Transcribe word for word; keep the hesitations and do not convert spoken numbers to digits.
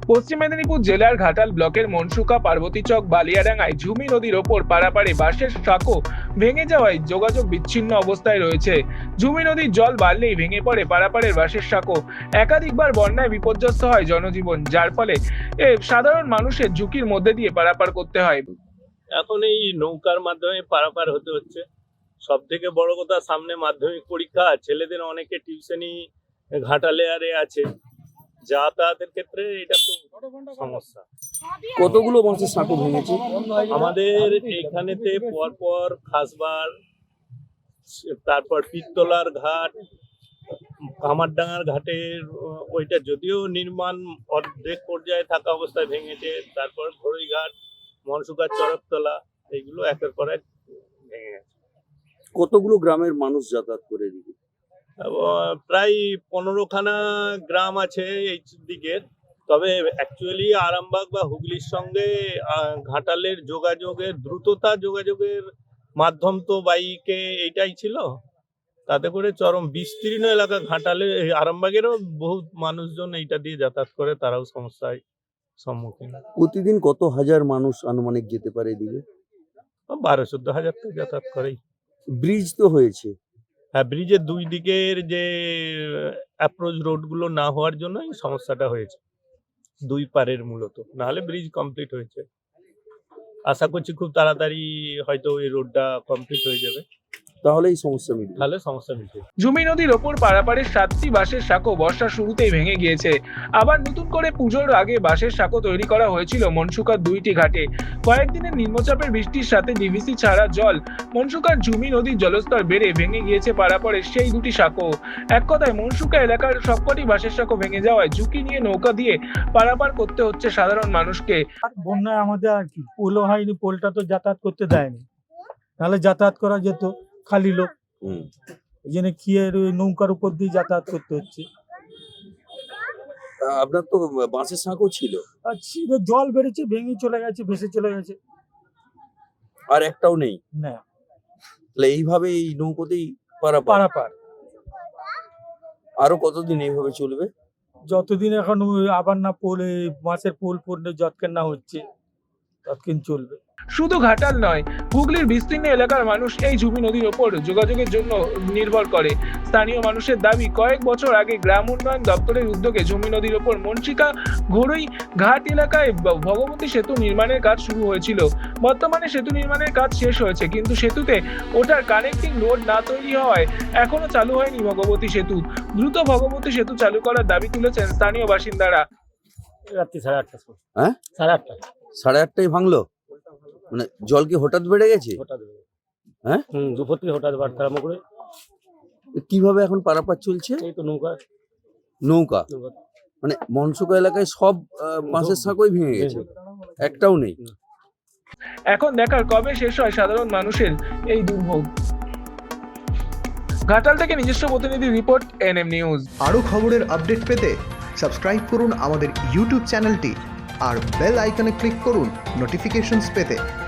পশ্চিম মেদিনীপুর জেলার ঘাটাল ব্লকের মনসুকা পার্বতীচক বালিয়াডাঙ্গায় ঝুমি নদীর ওপর পারাপারে বাঁশের সাঁকো ভেঙে যাওয়ায় যোগাযোগ বিচ্ছিন্ন অবস্থায় রয়েছে। ঝুমি নদীর জল বাড়লেই ভেঙে পড়ে পারাপারের বাঁশের সাঁকো। একাধিকবার বন্যায় বিপর্যস্ত হয় জনজীবন, যার ফলে এ সাধারণ মানুষের ঝুঁকির মধ্যে দিয়ে পারাপার করতে হয়। এখন এই নৌকার মাধ্যমে পারাপার হতে হচ্ছে। সব থেকে বড় কথা, সামনে মাধ্যমিক পরীক্ষা, ছেলেদের অনেকে টিউশনি ঘাটালে আরে আছে, যাতায়াতের ক্ষেত্রে এটা খুব সমস্যা। কতগুলো বাঁশের সাঁকো ভেঙেছে? আমাদের এখানেতে পরপর খাসবার, তারপর পিত্তলার ঘাট, কামারডাঙ্গার ঘাটের ওইটা যদিও নির্মাণ অর্ধেক পর্যায়ে থাকা অবস্থায় ভেঙেছে, তারপর ঘড়ই ঘাট, মনসুকার চরকতলা, এইগুলো একের পর এক ভেঙে গেছে। কতগুলো গ্রামের মানুষ যাতায়াত করে দিবে? প্রায় পনেরো খানা গ্রাম আছে এই দিকের। তবে অ্যাকচুয়ালি আরামবাগ বা হুগলির সঙ্গে ঘাটালের যোগাযোগের দ্রুততা, যোগাযোগের মাধ্যম তো বাইকে এইটাই ছিল। তাতে করে চরম বিস্তীর্ণ এলাকা ঘাটালে, আরামবাগেরও বহু মানুষজন এইটা দিয়ে যাতায়াত করে, তারাও সমস্যায় সম্মুখীন। প্রতিদিন কত হাজার মানুষ আনুমানিক যেতে পারে এদিকে? বারো চোদ্দ হাজার তো যাতায়াত করেই। ব্রিজ তো হয়েছে। হ্যাঁ, ব্রিজের দুই দিকের যে অ্যাপ্রোচ রোডগুলো না হওয়ার জন্য এই সমস্যাটা হয়েছে, দুই পারের মূলত। নাহলে ব্রিজ কমপ্লিট হয়েছে। আশা করছি খুব তাড়াতাড়ি হয়তো এই রোডটা কমপ্লিট হয়ে যাবে, তাহলে এই সমস্যা মিটবে। তাহলে সমস্যা মিটবে। ঝুমি নদীর ওপর পারাপারের সাতটি বাঁশের সাঁকো বর্ষার শুরুতেই ভেঙে গিয়েছে। আবার নতুন করে পুজোর আগে বাঁশের সাঁকো তৈরি করা হয়েছিল মনসুকার দুইটি ঘাটে। কয়েকদিনের নিম্নচাপের বৃষ্টির সাথে ডিভিসি ছাড়া জল মনসুকার ঝুমি নদীর জলস্তর বেড়ে ভেঙে গিয়েছে পারাপারের সেই দুটি সাঁকো। এক কথায় মনসুকা এলাকার সবকটি বাঁশের সাঁকো ভেঙে যাওয়ায় ঝুঁকি নিয়ে নৌকা দিয়ে পারাপার করতে হচ্ছে সাধারণ মানুষকে। বন্যায় আমাদের আর কি পোলও হয়নি, পোলটা তো যাতায়াত করতে দেয়নি, নাহলে যাতায়াত করা যেত, খালি লোক। এই জন্য কি এর ওই নৌকার উপর দিয়ে যাতায়াত করতে হচ্ছে। আপনার তো বাঁশের সাঁকো ছিল, আর ছিল, জল বেড়েছে, ভেঙে চলে গেছে, ভেসে চলে গেছে, আর একটাও নেই। না তাহলে এইভাবে এই নৌকোতেই পারাপার। পারাপার আরো কতদিন এইভাবে চলবে? যতদিন এখন ওই আবার না পোল, এই মাছের পোল পড়লে যতক্ষণ না হচ্ছে ততক্ষণ চলবে। শুধু ঘাটাল নয়, হুগলির বিস্তীর্ণ এলাকার মানুষ এই ঝুমি নদীর ওপর যোগাযোগের জন্য নির্ভর করে। স্থানীয় মানুষের দাবি, কয়েক বছর আগে গ্রাম উন্নয়ন দপ্তরের উদ্যোগে ঝুমি নদীর ওপর মনসিকা ঘড়ই ঘাট এলাকায় ভগবতী সেতু নির্মাণের কাজ শুরু হয়েছিল। বর্তমানে সেতু নির্মাণের কাজ শেষ হয়েছে, কিন্তু সেতুতে ওটার কানেক্টিং রোড না তৈরি হওয়ায় এখনো চালু হয়নি ভগবতী সেতু। দ্রুত ভগবতী সেতু চালু করার দাবি তুলেছেন স্থানীয় বাসিন্দারা। রাত্রি সাড়ে আটটা হ্যাঁ সাড়ে আটটা সাড়ে আটটায় ভাঙলো? মানে জল কি হঠাৎ বেড়ে গেছে? হঠাৎ হ্যাঁ, হম দুপুর থেকে হঠাৎ বাড়তে আরম্ভ করে। কিভাবে এখন পারাপার চলছে? এই তো নৌকা নৌকা মানে মনসুকা এলাকায় সব বাঁশের সাঁকোই ভেঙে গেছে, একটাও নেই। এখন দেখার কবে শেষ হয় সাধারণ মানুষের এই দুর্ভোগ। ঘাটাল থেকে নিজস্ব প্রতিনিধি রিপোর্ট, এনএম নিউজ। আরও খবরের আপডেট পেতে সাবস্ক্রাইব করুন আমাদের ইউটিউব চ্যানেলটি আর বেল আইকনে ক্লিক করুন নোটিফিকেশনস পেতে।